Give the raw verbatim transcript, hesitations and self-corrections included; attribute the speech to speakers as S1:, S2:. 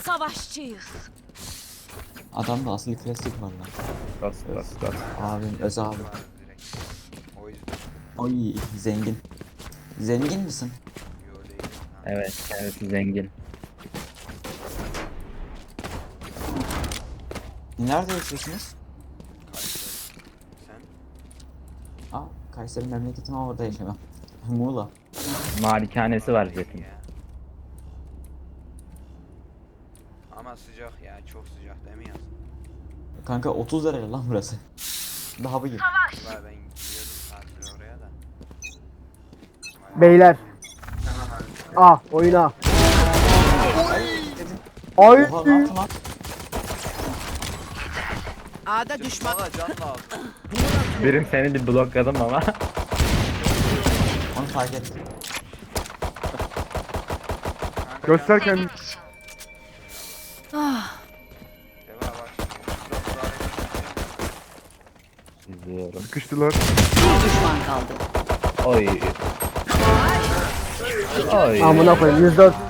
S1: savaşçıyız.
S2: Adamda asıl klasik var lan.
S3: Bas bas bas.
S2: Abim Öz abi.
S4: Var direkt. O yüzden.
S2: Oy zengin. Zengin misin?
S4: Yo değil. Ha.
S3: Evet kendisi zengin.
S2: Nerede yaşıyorsunuz?
S4: Kayseri. Sen?
S2: Aa Kayseri memleketim ama orada yaşamam. Muğla.
S3: Malikanesi var Jet'in.
S4: Ya. Ama sıcak ya, çok sıcak değil mi yaz?
S2: Kanka otuz derece lan burası. Daha bugün.
S4: Valla ben gidiyordum tatile oraya da.
S5: Beyler. Ah oyuna. Ay.
S2: Oha ne yaptın lan?
S6: A'da düşman.
S4: Bana can lazım.
S3: Birim seni bir blokladım ama.
S2: Onu fark ettim.
S4: Kanka
S5: Göster
S4: can-
S5: kendini.
S1: Ah,
S4: Deva bak şimdi. Şurada müdahale
S3: İzliyorum.
S5: Sıkıştılar.
S6: Bir düşman kaldı.
S3: Oy. Oy.
S5: Amına koyayım yüz dört.